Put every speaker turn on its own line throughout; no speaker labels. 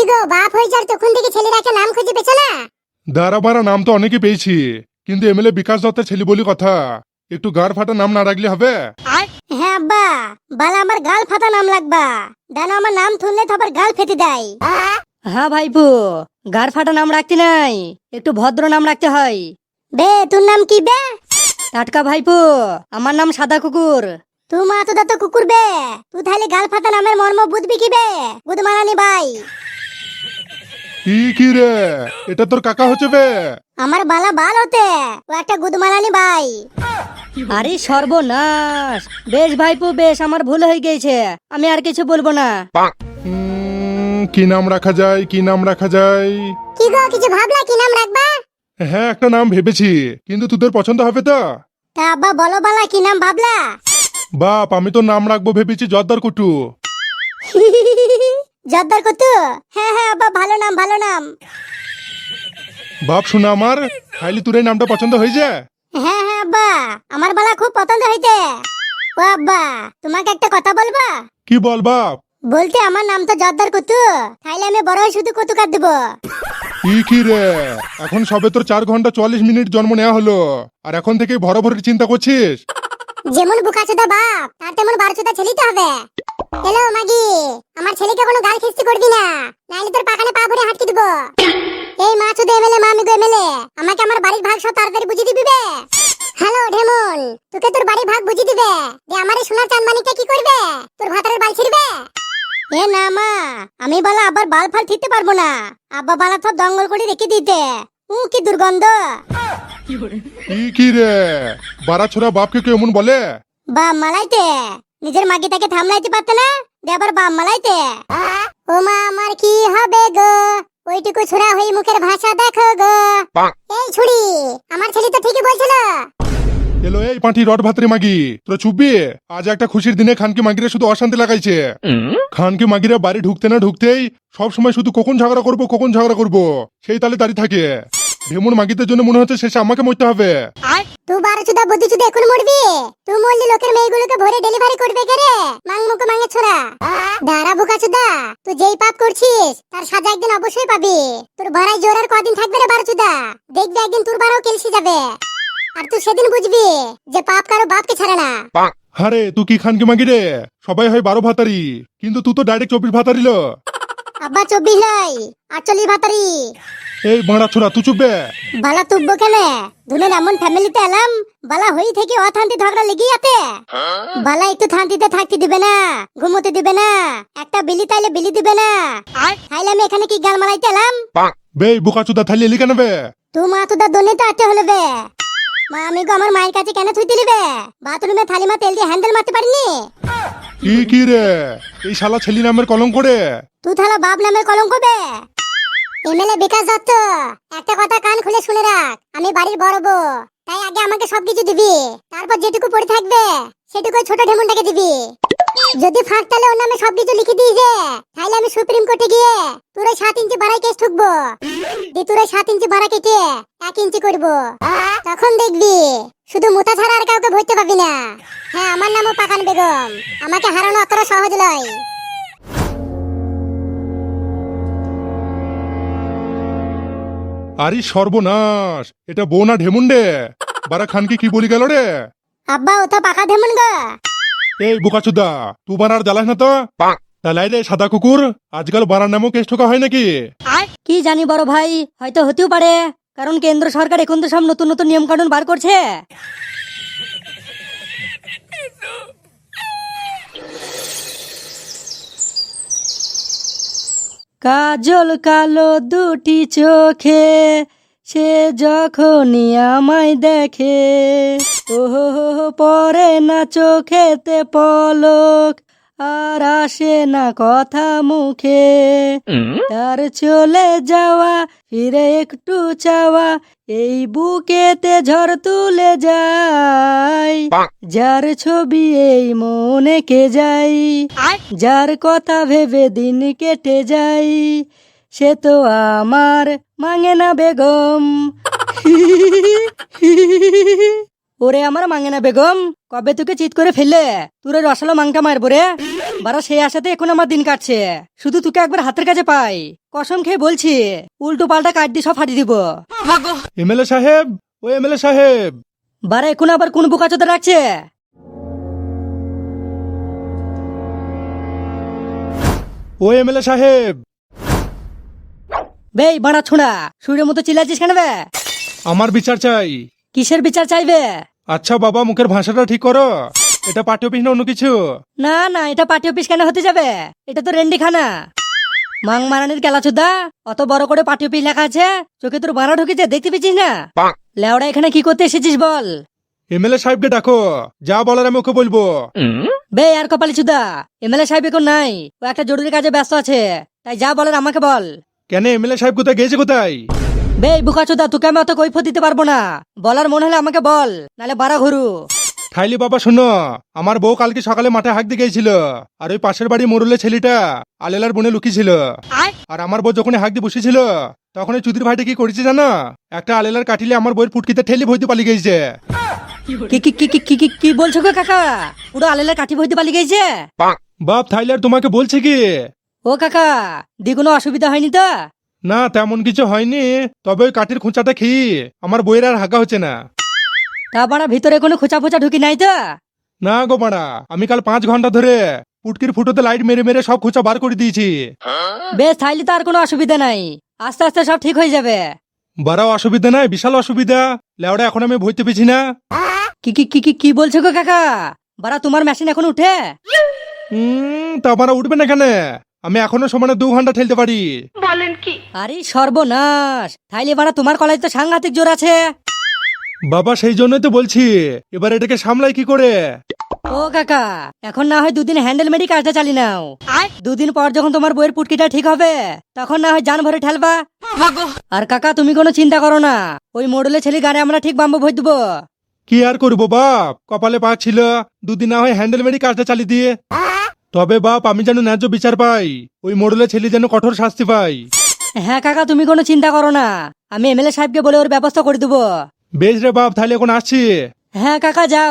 গো, বাপ হয়ে যার তখন থেকে ছেলের একটা নাম খুঁজে পেছো না?
দাঁড়া বাড়া, নাম তো অনেকে পেয়েছি, কিন্তু এমএলএ বিকাশ দত্তের ছেলে বলি কথা, একটু গার ফাটা নাম না রাখলে হবে?
হ্যাঁ আব্বা, বালা আমার গাল ফাটা নাম লাগবা। ডানো আমার নাম শুনলে তো আবার গাল ফেটে দেয়।
হ্যাঁ ভাইপো, গার ফাটা নাম রাখতে নাই, একটু ভদ্র নাম রাখতে হয়।
বে তোর নাম কি বে?
টাটকা ভাইপো, আমার নাম সাদা কুকুর।
তুই মা তো দাতো কুকুর বে, তুই তাহলে গাল ফাটা নামের মর্ম বুঝবি কি বে? বুধ মারানি ভাই।
কি রে, এটা তোর কাকা হচ্ছে বে?
আমার বালা বাল হতে, ও একটা গুদমালানি ভাই।
আরে সর্বনাশ, বেশ ভাইপো বেশ, আমার ভুল হয়ে গেছে, আমি আর কিছু বলবো না।
কি নাম রাখা যায়, কি নাম রাখা যায়?
কি গো, কিছু ভাবলা কি নাম রাখবা?
হ্যাঁ, একটা নাম ভেবেছি, কিন্তু তোদের পছন্দ হবে তো?
তা আব্বা বলো বালা, কি নাম ভাবলা?
বাপ, আমি তো নাম রাখবো ভেবেছি জর্দার কুটু।
জর্দার কুতু? হ্যাঁ হ্যাঁ আব্বা, ভালো নাম ভালো নাম।
বাপ শোনা আমার, খাইলি তোর এই নামটা পছন্দ হয়েছে?
হ্যাঁ হ্যাঁ আব্বা, আমার বালা খুব পছন্দ হইতে। ও আব্বা, তোমাকে একটা কথা বলবা?
কি বল বাপ?
বলতে আমার নাম তো জর্দার কুতু, তাইলে আমি বড় হয়ে শুধু কুতু কাট দেবো।
কি রে, এখন সবে তোর 4 ঘন্টা 44 মিনিট জন্ম নেওয়া হলো, আর এখন থেকে ভরভরের চিন্তা করছিস?
যেমন বুকাচোদা বাপ, তার তেমন বারোচোদা ছেলেই তো হবে। হ্যালো মাগি, আমার ছেলেকে কোনো গাল খিস্তি করবি না, নাইলে তোর পাকানে পা ভরে হাঁটকে দিব। এই মা চোদা এমএলএ, মা আমিগো এমএলএ, আমাকে আমার বাড়ির ভাগ সব তাড়াতাড়ি বুঝিয়ে দিবি বে। হ্যালো ঢেমন, তোকে তোর বাড়ির ভাগ বুঝিয়ে দিবে, যে আমার এই সোনার চাঁদমানিকটা কি করবে? তোর ভাতারের বাল ছিড়বে। এ না মা, আমি বলা আবার বাল ফাল ঠিকতে পারবো না, আব্বা বালা সব দঙ্গল করে রেখে দিতে। কি দুর্গন্ধ।
কি রে, বাড়া ছোড়া বাপকে কেউ এমন বলে?
বাপ মালাইতে, নিজের মাগিটাকে থামলাইতে পারতে না, দিয়ে আবার বাপ মালাইতে। ও মা আমার কি হবে গো, ওইটুকু ছোড়া হয়ে মুখের ভাষা দেখো গো। এই ছুরি, আমার ছেলে তো ঠিকই বলছিল।
এলো এই পাঁঠি রড ভাতরে মাগি, তোরা চুপবি? আজ একটা খুশির দিনে খানকে মাগিরা শুধু অশান্তি লাগাইছে। খানকে মাগিরা বাড়ি ঢুকতে না ঢুকতেই সব সময় শুধু কখন ঝগড়া করবো কখন ঝগড়া করবো, সেই তালে দাঁড়িয়ে থাকে। ঢেমুন মাগিদের জন্য মনে হচ্ছে শেষে আমাকে মরতে হবে।
তুই বারোচুদা বুদ্ধিচুদা এখন মরবি? তুই মরলি লোকের মেয়েগুলোকে ভরে ডেলিভারি করবে কে রে? মাং মুখে মাঙে ছোড়া। দাঁড়া বুকাচুদা, তুই যেই পাপ করছিস তার সাজা একদিন অবশ্যই পাবি। তোর ভাড়ায় জোর আর কদিন থাকবে রে বারোচুদা, দেখবি একদিন তোর বাড়াও কেলসি যাবে। আর তুই সেদিন বুঝবি যে পাপ কারো বাপকে ছাড়ে না।
হারে তুই কি খানকে মাগি রে? সবাই হয় 12 ভাতারি, কিন্তু তুই তো ডাইরেক্ট 24 ভাতারি লো।
আব্বা 24 নয়, 48 ভাতারি।
এই বাড়া ছোড়া তুই চুপবে।
বালা তুব্ব কেনে? দুনের এমন ফ্যামিলিতে এলাম, বালা হই থেকে অথান্তি ঝগড়া লেগেই আছে। বালা একটু শান্তিতে থাকতে দিবে না, ঘুমোতে দিবে না, একটা বিলি তাইলে বিলি দিবে না। তাইলে আমি এখানে কি গাল মারাইতে এলাম?
বে বুকাচুদা থালি এলি কেন বে?
তুই মা তোদা দনে তো আতে হলো বে। মা আমি গো আমার মায়ের কাছে কেন থুই দিলি বে? বাথরুমে থালি মা তেল দিয়ে হ্যান্ডেল মারতে পারিনি?
কি রে, এই শালা ছেলি নামের কলঙ্ক করে।
তুই থালা বাপ নামের কলঙ্ক বে। এমএলএ বিকাশ দত্ত, একটা কথা কান খুলে শুনে রাখ, আমি বাড়ির বড় বউ, তাই আগে আমাকে সবকিছু দিবি, তারপর যেটুকু পড়ে থাকবে সেটুকু ছোট ঢেমনটাকে দিবি। যদি ফাঁক তালে ওর নামে সবকিছু লিখে দিই যে, তাহলে আমি সুপ্রিম কোর্টে গিয়ে তোর 7 ইঞ্চি বাড়াই কেস ঠুকবো, দিয়ে তোর 7 ইঞ্চি বাড়া কেটে 1 ইঞ্চি করবো। তখন দেখবি শুধু মোতা ছাড়া আর কাউকে ভরতে পাবি না। হ্যাঁ, আমার নামও পাকান বেগম, আমাকে হারানো অতটা সহজ নয়।
আরে সর্বনাশ, এটা বউ না ঢেমুন্ডে? বারা খানকে কি বলি গেল রে?
আব্বা ও তো পাকা ঢেমন গো।
এই বুকাচুদা, তুই বানার জ্বালাস না তো? তালাই রে সাদা কুকুর, আজকাল বানার নামও কেস ঠোকা হয় নাকি?
কি জানি বড় ভাই, হয়তো হতেও পারে, কারণ কেন্দ্র সরকার এখন তো সব নতুন নতুন নিয়ম কানুন বার করছে। কাজল কালো দুটি চোখে, সে যখনই আমায় দেখে, ওহো পরে না চোখেতে পলক, আর আসে না কথা মুখে, তার চলে যাওয়া ফিরে একটু চাওয়া, এই বুকেতে ঝড় তুলে যায়, যার ছবি এই মনে কে যাই, যার কথা ভেবে দিন কেটে যাই, সে তো আমার মাঙ্গেনা বেগম। ওরে আমার মাঙ্গেনা বেগম, কবে তোকে চিৎ করে ফেললে তোরে রসালো মাংটা মারবো রে। বারা সেই আশাতে এখন আমার দিন কাটছে, শুধু তোকে একবার হাতের কাছে পাই, কসম খেয়ে বলছি উল্টো পাল্টা কাট দিয়ে সব ফাটিয়ে দিব।
এমএলএ সাহেব, ও এমএলএ সাহেব।
বারে এখন আবার কোন বোকাচোদা রাখছে?
ও এমএলএ সাহেব।
বেই বাড়া ছোড়া, সুরের মতো চিল্লাচ্ছিস কেন বে?
আমার বিচার চাই।
কিসের বিচার চাইবে?
আচ্ছা বাবা, মুখের ভাষাটা ঠিক করো। এটা পার্টি অফিস না অন্য কিছু?
না না, এটা পার্টি অফিস কেন হতে যাবে? এটা তো রেন্ডিখানা। মাং মারানির কেলাচোদা, অত বড় করে পার্টি অফিস লেখা আছে, চোখে তোর বানা ঢুকেছে, দেখতে পেয়েছিস না? লেওড়া এখানে কি করতে এসেছিস বল?
এমএলএ সাহেবকে ডাকো, যা বলার আমি ওকে বলবো।
বে আর কপালি চুদা, এমএলএ সাহেব এখন নাই, ও একটা জরুরি কাজে ব্যস্ত আছে, তাই যা বলার আমাকে বল।
কেন, এমএলএ সাহেব কোথায় গেছে কোথায়?
বে বুকাচোদা, তোকে আমি অত কৈফত দিতে পারবো না, বলার মনে হলে আমাকে বল, নালে বাড়া ঘুরু।
থাইলি বাবা শোনো, আমার বউ কালকে সকালে মাঠে হাঁক দিয়ে গেছিল, আর ওই পাশের বাড়ি মোরলে ছেলেটা আলেলার বনে লুকিয়েছিল। আর আমার বউ যখন হাঁক দিয়ে বসেছিল, তখন ওই চুদির ভাইটা কি করেছে জানো? একটা আলেলার কাটিলে আমার বউয়ের ফুটকিতে ঠেলি ভইতে পালিয়ে গেছে।
কি কি কি কি কি কি- কি বলছো গো কাকা? পুরো আলেলার কাঠি বইতে পালিয়ে গেছে?
বাপ থাইলার তোমাকে বলছে কি?
ও কাকা, দি কোনো অসুবিধা হয়নি তো?
না তেমন কিছু হয়নি, তবে ওই কাঠির খুঁচাটা খেয়ে আমার বইয়ের আর হাঁকা হচ্ছে না।
তা বাড়া ভিতরে কোনো খোঁচা ফোচা ঢুকি নাই তো?
না গো মারা, আমি কাল 5 ঘন্টা ধরে পুটকির ফুটোতে লাইট মেরে মেরে সব খুঁচা বার করে দিয়েছি।
বেশ তাইলে তো আর কোনো অসুবিধা নাই, আস্তে আস্তে সব ঠিক হয়ে যাবে।
বারাও অসুবিধা নাই, বিশাল অসুবিধা। লেওড়া এখন আমি ভইতে পেছি না।
কি কি কি কি কি বলছো গো কাকা? বাড়া তোমার মেশিন এখন উঠে?
তা আমার উঠবে না কেন? আমি এখনো সমানে 2 ঘন্টা ঠেলতে পারি।
আরে সর্বনাশ, তাইলে বাড়া তোমার কলেজ তো সাংঘাতিক জোর আছে।
বাবা সেই জন্যই তো বলছি, এবার এটাকে সামলাই কি করে?
ও কাকা, এখন না হয় 2 দিন হ্যান্ডেল মেরি কাজটা চালি নাও, 2 দিন পর যখন তোমার বইয়ের পুটকিটা ঠিক হবে, তখন না হয় জান ভরে ঠেলবা। আর কাকা তুমি কোনো চিন্তা করো না, ওই মডেলের ছেলে গানে আমরা ঠিক বাম্বু ভর দেবো।
কি আর করবো বাপ, কপালে পাক ছিল, 2 দিন না হয় হ্যান্ডেল মেরি কাজটা চালিয়ে দিয়ে। তবে বাপ আমি যেন ন্যায্য বিচার পাই, ওই মডেলের ছেলে যেন কঠোর শাস্তি পাই।
হ্যাঁ কাকা তুমি কোনো চিন্তা করো না, আমি এমএলএ সাহেবকে বলে ওর ব্যবস্থা করে দেবো।
বেশ রে বাপ, তাহলে এখন আসছি।
হ্যাঁ কাকা যাও।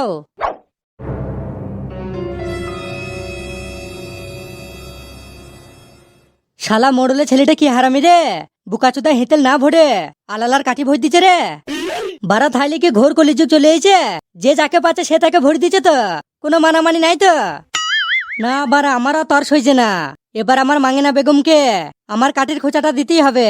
শালা মোড়লে ছেলেটা কি হারামি রে, বুকাচোদা হেতেল না ভরে আলালার কাঠি ভর দিচ্ছে রে। বারা থাইলে কি ঘোর কলিযুগ চলে এসেছে, যে যাকে পাচ্ছে সে তাকে ভরে দিচ্ছে, তো কোনো মানামানি নাই তো? না বারা আমারও তর সইছে না, এবার আমার মাঙ্গেনা বেগমকে আমার কাঠির খোঁচাটা দিতেই হবে।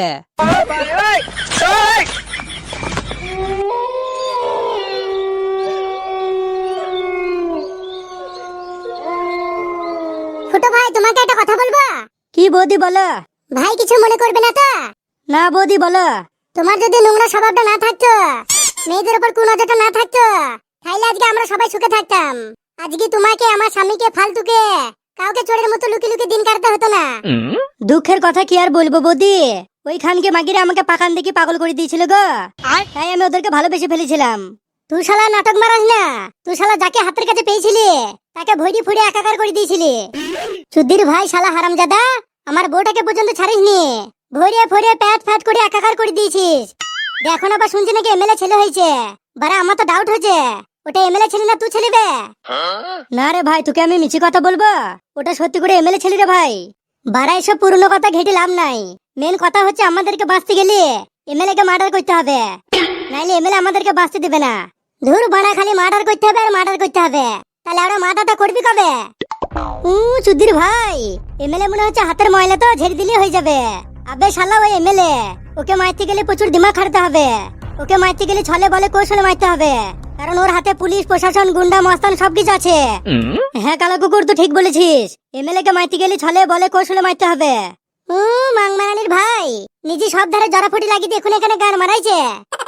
ফুটো ভাই, তোমাকে একটা কথা বলবো।
কি বৌদি বলো?
ভাই কিছু মনে করবে না তো?
না বৌদি বলো।
তোমার যদি নোংরা স্বভাবটা না থাকতো, মেয়েদের উপর কুনজরটা না থাকতো, তাহলে আজকে আমরা সবাই সুখে থাকতাম। আজকে তোমাকে, আমার স্বামীকে, ফালতুকে কাউকে চোরের মতো লুকিয়ে লুকিয়ে দিন কাটতে হতো না।
দুঃখের কথা কি আর বলবো বৌদি, ওই খানকে মাগিরে আমাকে পাকান দেখি পাগল করে দিয়েছিল গো, তাই আমি ওদেরকে ভালোবেসে ফেলেছিলাম।
তুই শালা নাটক মারাস না, তুই শালা যাকে হাতের কাছে পেয়েছিলি তাকে ভইরি ফুড়ে একাকার করে দিয়েছিলি। চুদ্দির ভাই শালা হারামজাদা, আমার বউটাকে পর্যন্ত ছাড়িসনি, ভরিয়ে ফরিয়ে প্যাট ফ্যাট করে একাকার করে দিয়েছিস। এখন আবার শুনছি নাকি এমএলএ ছেলে হয়েছে। বারা আমার তো ডাউট হচ্ছে, ওটা এমএলএ ছেলে না তুই ছেলে বে?
না রে ভাই, তোকে আমি মিছি কথা বলবো, ওটা সত্যি করে এমএলএ ছেলে রে ভাই।
বারা এসব পুরনো কথা ঘেটে লাভ নাই, মেন কথা হচ্ছে আমাদেরকে বাঁচতে গেলে এমএলএ কে মার্ডার করতে হবে, নাইলে এমএলএ আমাদেরকে বাঁচতে দেবে না। ধুর বাড়া, খালি মার্ডার করতে হবে আর মার্ডার করতে হবে, তাহলে আমরা মার্ডারটা করবি কবে? চুদ্দির ভাই, এমএলএ মনে হচ্ছে হাতের ময়লা তো ঝেড়ে দিলে হয়ে যাবে। আবে শালা ওই এমএলএ, ওকে মারতে গেলে প্রচুর দিমাগ খাটাতে হবে, ওকে মারতে গেলে ছলে বলে কৌশলে মারতে হবে, কারণ ওর হাতে পুলিশ প্রশাসন গুন্ডা মস্তান সবকিছু আছে।
হ্যাঁ কালা কুকুর, তো ঠিক বলেছিস,
এমএলএ কে মারতে গেলে ছলে বলে কৌশলে মারতে হবে। মাংমারানির ভাই নিজে সব ধারে জড়াফুটি লাগিয়ে দেখুন এখানে গান মারাইছে।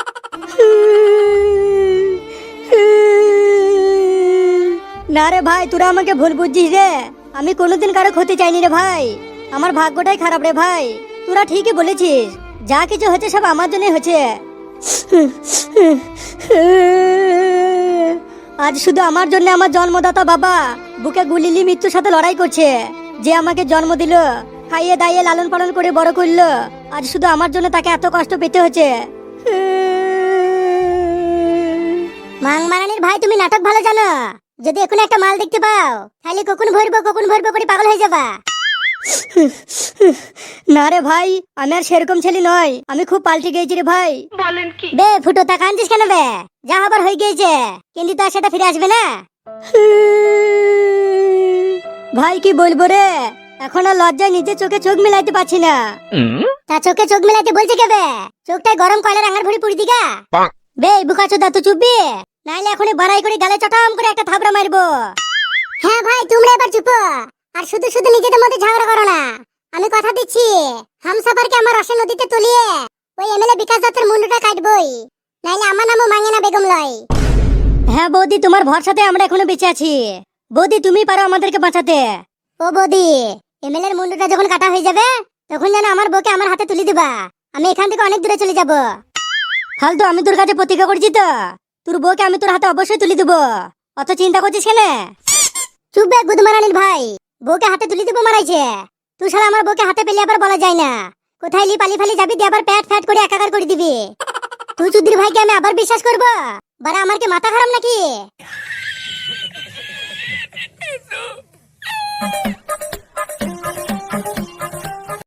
না রে ভাই, তোরা আমাকে ভুল বুঝছিস রে, আমি কোনোদিন কারো ক্ষতি চাইনি রে ভাই, আমার ভাগ্যটাই খারাপ রে ভাই। তোরা ঠিকই বলেছিস, যা কিছু হচ্ছে সব আমার জন্যই হচ্ছে। আজ শুধু আমার জন্য আমার জন্মদাতা বাবা বুকে গুলিলি মৃত্যুর সাথে লড়াই করছে, যে আমাকে জন্ম দিল, খাইয়ে দাইয়ে লালন পালন করে বড় করলো, আজ শুধু আমার জন্য তাকে এত কষ্ট পেতে হচ্ছে।
মাংমারানির ভাই তুমি নাটক ভালো জানো, যদি এখন একটা মাল দেখতে পাও তাহলে কখন ভরবো করে পাগল হয়ে যাবা।
না রে ভাই, আমি আর সেরকম ছেলে নয়, আমি খুব পাল্টে গেছি রে ভাই।
বে ফুটো তা কাঁদছিস কেন বে? যা হবার হয়ে গিয়েছে, কিন্তু তার সেটা ফিরে আসবে না।
ভাই কি বলবো রে, এখন আর লজ্জায় নিজের চোখে চোখ মিলাইতে পারছি না।
তা চোখে চোখ মিলাইতে বলছে কে বে? চোখটায় গরম কয়লার আঙার ভরি পুড়ি দিগা। বে বুকা চোদা তুই চুপবি, নাইলে এখনই বাড়াই করে গালে চটাম করে একটা থাবড়া মারবো। হ্যাঁ ভাই তোমরা এবার চুপ, আর শুধু শুধু নিজেদের মধ্যে ঝগড়া করো না। আমি কথা দিচ্ছি, হামসাফারকে আমার রসে নদীতে তুলিয়ে ওই এমএলএ বিকাশ দত্তের মুন্ডুটা কাটবই, নাইলে আমার নামও মাঙ্গেনা বেগম লয়।
হ্যাঁ বৌদি, তোমার ভরসাতে আমরা এখনো বেঁচে আছি। বৌদি তুমি পারো আমাদেরকে বাঁচাতে।
ও বৌদি, এমএলএ এর মুন্ডুটা যখন কাটা হয়ে যাবে তখন যেন আমার বউকে আমার হাতে তুলে দিবা। আমি এখান থেকে অনেক দূরে চলে যাব।
ফালতু, আমি তোর কাছে প্রতিজ্ঞা করছি তো, তোর বউকে আমি তোর হাতে অবশ্যই তুলে দেবো। অত চিন্তা করছিস কেন?
চুপ বে গুদমারানির ভাই, বউকে হাতে তুলে দিব মারাইছে। তুই শালা আমার বউকে হাতে পেলে আবার বলা যায় না। কোথায় লি পালি ফালি যাবি দিয়ে আবার প্যাট ফ্যাট করে একাকার করে দিবি। তুই চুদির ভাইকে আমি আবার বিশ্বাস করবো? বারা আমার কি মাথা খারাপ নাকি?